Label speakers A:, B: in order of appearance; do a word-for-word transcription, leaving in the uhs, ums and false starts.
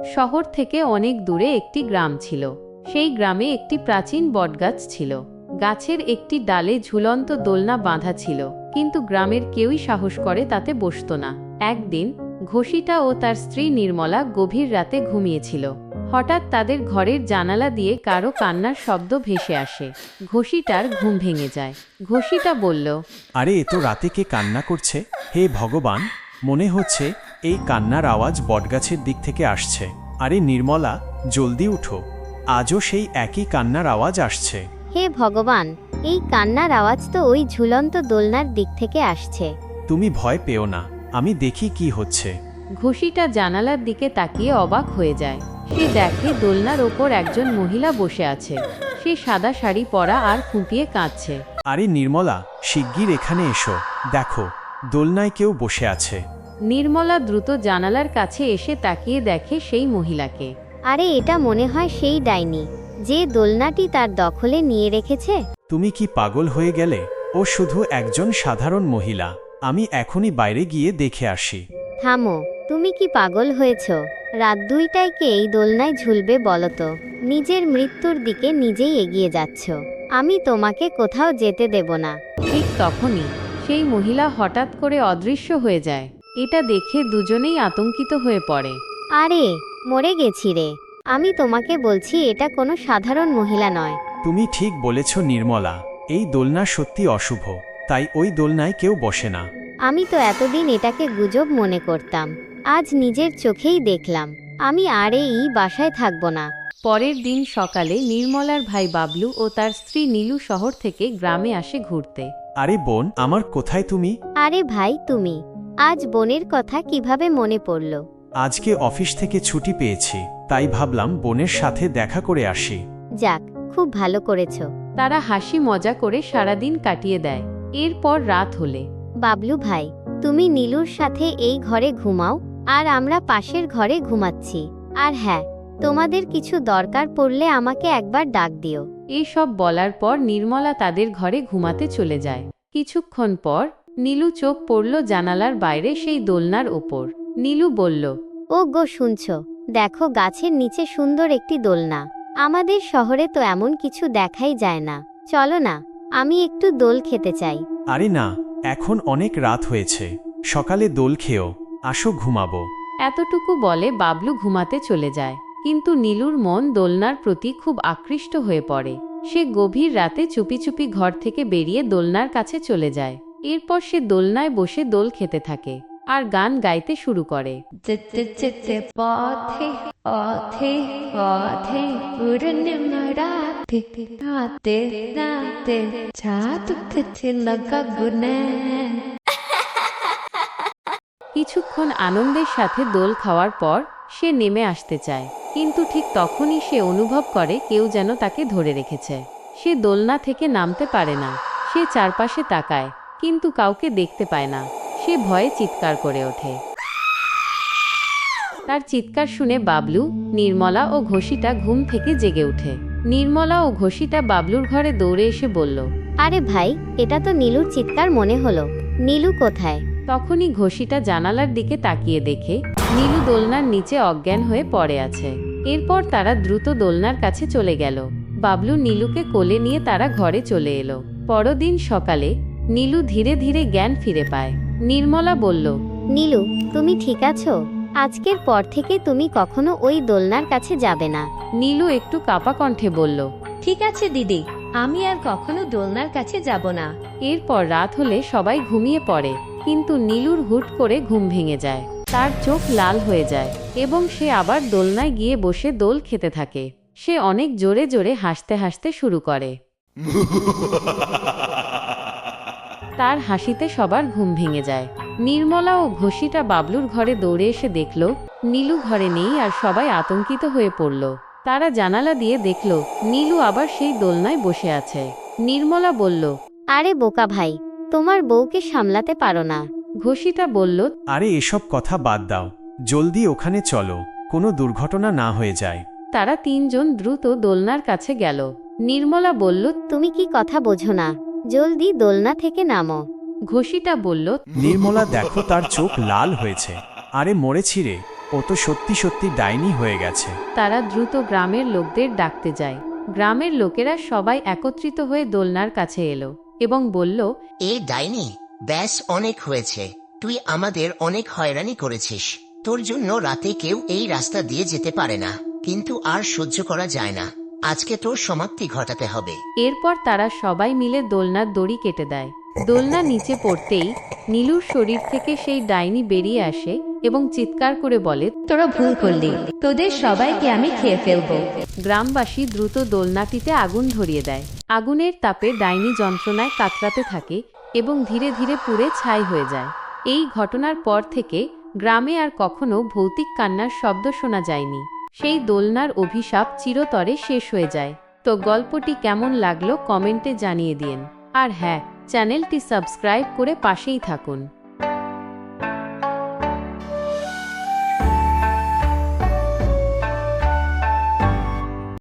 A: শহর থেকে অনেক দূরে একটি গ্রাম ছিল। সেই গ্রামে একটি প্রাচীন বটগাছ ছিল। গাছের একটি ডালে ঝুলন্ত দোলনা বাঁধা ছিল, কিন্তু গ্রামের কেউই সাহস করে তাতে বসত না। একদিন ঘষিটা ও তার স্ত্রী নির্মলা গভীর রাতে ঘুমিয়েছিল। হঠাৎ তাদের ঘরের জানালা দিয়ে কারো কান্নার শব্দ ভেসে আসে। ঘষিটার ঘুম ভেঙে যায়। ঘষিটা বলল,
B: আরে এত রাতে কে কান্না করছে? হে ভগবান, মনে হচ্ছে এই কান্নার আওয়াজ বটগাছের দিক থেকে আসছে। আরে নির্মলা, জলদি উঠো, আজও সেই একই কান্নার আওয়াজ আসছে।
C: হে ভগবান, এই কান্নার আওয়াজ তো ওই ঝুলন্ত দোলনার দিক থেকে আসছে।
B: তুমি ভয় পেও না, আমি দেখি কি হচ্ছে।
A: ঘষিটা জানালার দিকে তাকিয়ে অবাক হয়ে যায়। সে দেখে দোলনার ওপর একজন মহিলা বসে আছে। সে সাদা শাড়ি পরা আর ফুঁপিয়ে কাঁদছে।
B: আরে নির্মলা, শিগগির এখানে এসো, দেখো দোলনায় কেউ বসে আছে।
A: নির্মলা দ্রুত জানালার কাছে এসে তাকিয়ে দেখে সেই মহিলাকে।
C: আরে এটা মনে হয় সেই ডাইনি, যে দোলনাটি তার দখলে নিয়ে রেখেছে।
B: তুমি কি পাগল হয়ে গেলে? ও শুধু একজন সাধারণ মহিলা। আমি এখনই বাইরে গিয়ে দেখে আসি।
C: থামো, তুমি কি পাগল হয়েছ? রাত দুইটায় কে এই দোলনায় ঝুলবে বলো তো? নিজের মৃত্যুর দিকে নিজেই এগিয়ে যাচ্ছ। আমি তোমাকে কোথাও যেতে দেব না।
A: ঠিক তখনই সেই মহিলা হঠাৎ করে অদৃশ্য হয়ে যায়। এটা দেখে দুজনেই আতঙ্কিত হয়ে পড়ে।
C: আরে মরে গেছি রে। আমি তোমাকে বলছি এটা কোনো সাধারণ মহিলা নয়।
B: তুমি ঠিক বলেছ নির্মলা, এই দোলনা সত্যি অশুভ, তাই ওই দোলনায় কেউ বসে না।
C: আমি তো এতদিন এটাকে গুজব মনে করতাম, আজ নিজের চোখেই দেখলাম। আমি আর এই বাসায় থাকব না।
A: পরের দিন সকালে নির্মলার ভাই বাবলু ও তার স্ত্রী নীলু শহর থেকে গ্রামে আসে ঘুরতে।
B: আরে বোন, আমার কোথায় তুমি?
C: আরে ভাই তুমি, আজ বোনের কথা কিভাবে মনে পড়ল?
B: আজকে অফিস থেকে ছুটি পেয়েছি, তাই ভাবলাম বোনের সাথে দেখা করে আসি।
C: যাক, খুব ভালো করেছো।
A: তারা হাসি মজা করে সারাদিন কাটিয়ে দেয়। এরপর রাত হলে,
C: বাবলু ভাই, তুমি নীলুর সাথে এই ঘরে ঘুমাও, আর আমরা পাশের ঘরে ঘুমাচ্ছি। আর হ্যাঁ, তোমাদের কিছু দরকার পড়লে আমাকে একবার ডাক দিও।
A: এইসব বলার পর নির্মলা তাদের ঘরে ঘুমাতে চলে যায়। কিছুক্ষণ পর নীলু চোখ পড়ল জানালার বাইরে সেই দোলনার ওপর। নীলু বলল,
C: ও গো শুনছো? দেখো গাছের নিচে সুন্দর একটি দোলনা। আমাদের শহরে তো এমন কিছু দেখাই যায় না। চলো না, আমি একটু দোল খেতে চাই।
B: আরে না, এখন অনেক রাত হয়েছে, সকালে দোল খেও, আসো ঘুমাবো।
A: এতটুকু বলে বাবলু ঘুমাতে চলে যায়। কিন্তু নীলুর মন দোলনার প্রতি খুব আকৃষ্ট হয়ে পড়ে। সে গভীর রাতে চুপি চুপি ঘর থেকে বেরিয়ে দোলনার কাছে চলে যায়। এরপর সে দোলনায় বসে দোল খেতে থাকে আর গান গাইতে শুরু করে।
D: যেতে পথে পথে পথে পূর্ণিমারাতে রাতে রাতে চাঁদ উঠেছে গগনে।
A: কিছুক্ষণ আনন্দের সাথে দোল খাওয়ার পর সে নেমে আসতে চায়, কিন্তু ঠিক তখনই সে অনুভব করে কেউ যেন তাকে ধরে রেখেছে। সে দোলনা থেকে নামতে পারে না। সে চারপাশে তাকায়, কিন্তু কাউকে দেখতে পায় না। সে ভয়ে চিৎকার করে ওঠে। তার চিৎকার শুনে বাবলু, নির্মলা ও ঘষিটা ঘুম থেকে জেগে ওঠে। নির্মলা ও ঘষিটা বাবলুর ঘরে দৌড়ে এসে বলল,
C: আরে ভাই, এটা তো নীলুর চিৎকার মনে হলো। নীলু কোথায়?
A: তখনই ঘষিটা জানালার দিকে তাকিয়ে দেখে নীলু দোলনার নিচে অজ্ঞান হয়ে পড়ে আছে। এরপর তারা দ্রুত দোলনার কাছে চলে গেল। বাবলু নীলুকে কোলে নিয়ে তারা ঘরে চলে এলো। পরদিন সকালে নীলু ধীরে ধীরে জ্ঞান ফিরে পায়। নির্মলা বলল,
C: নীলু, তুমি ঠিক আছো? আজকের পর থেকে তুমি কখনো ওই দোলনার কাছে যাবে না।
A: নীলু একটু কাঁপা কণ্ঠে বলল,
D: ঠিক আছে দিদি, আমি আর কখনো দোলনার কাছে যাব না।
A: এরপর রাত হলে সবাই ঘুমিয়ে পড়ে, কিন্তু নীলুর হুট করে ঘুম ভেঙে যায়। তার চোখ লাল হয়ে যায় এবং সে আবার দোলনায় গিয়ে বসে দোল খেতে থাকে। সে অনেক জোরে জোরে হাসতে হাসতে শুরু করে। তার হাসিতে সবার ঘুম ভেঙে যায়। নির্মলা ও ঘষিটা বাবলুর ঘরে দৌড়ে এসে দেখল নীলু ঘরে নেই, আর সবাই আতঙ্কিত হয়ে পড়ল। তারা জানালা দিয়ে দেখল নীলু আবার সেই দোলনায় বসে আছে। নির্মলা বলল,
C: আরে বোকা ভাই, তোমার বউকে সামলাতে পারো না?
A: ঘষিটা বলল,
B: আরে এসব কথা বাদ দাও, জলদি ওখানে চলো, কোনো দুর্ঘটনা না হয়ে যায়।
A: তারা তিনজন দ্রুত দোলনার কাছে গেল। নির্মলা বলল,
C: তুমি কি কথা বোঝো না? জলদি দোলনা থেকে নামো।
A: ঘষিটা বলল,
B: নির্মলা দেখো, তার চোখ লাল হয়েছে। আরে মরেছি রে, ও তো সত্যি সত্যি ডাইনি হয়ে গেছে।
A: তারা দ্রুত গ্রামের লোকদের ডাকতে যায়। গ্রামের লোকেরা সবাই একত্রিত হয়ে দোলনার কাছে এলো এবং বলল,
E: এ ডাইনি, ব্যাস অনেক হয়েছে। তুই আমাদের অনেক হয়রানি করেছিস। তোর জন্য রাতে কেউ এই রাস্তা দিয়ে যেতে পারে না, কিন্তু আর সহ্য করা যায় না। আজকে তোর সমাপ্তি ঘটাতে হবে।
A: এরপর তারা সবাই মিলে দোলনার দড়ি কেটে দেয়। দোলনা নিচে পড়তেই নীলুর শরীর থেকে সেই ডাইনি বেরিয়ে আসে এবং চিৎকার করে বলে,
D: তোরা ভুল করলি, তোদের সবাইকে আমি খেয়ে ফেলবো।
A: গ্রামবাসী দ্রুত দোলনাটিতে আগুন ধরিয়ে দেয়। আগুনের তাপে ডাইনি যন্ত্রণায় কাতরাতে থাকে এবং ধীরে ধীরে পুড়ে ছাই হয়ে যায়। এই ঘটনার পর থেকে গ্রামে আর কখনো ভৌতিক কান্নার শব্দ শোনা যায়নি। সেই দোলনার অভিশাপ চিরতরে শেষ হয়ে যায়। তো গল্পটি কেমন লাগলো কমেন্টে জানিয়ে দিন। আর হ্যাঁ, চ্যানেলটি সাবস্ক্রাইব করে পাশেই থাকুন।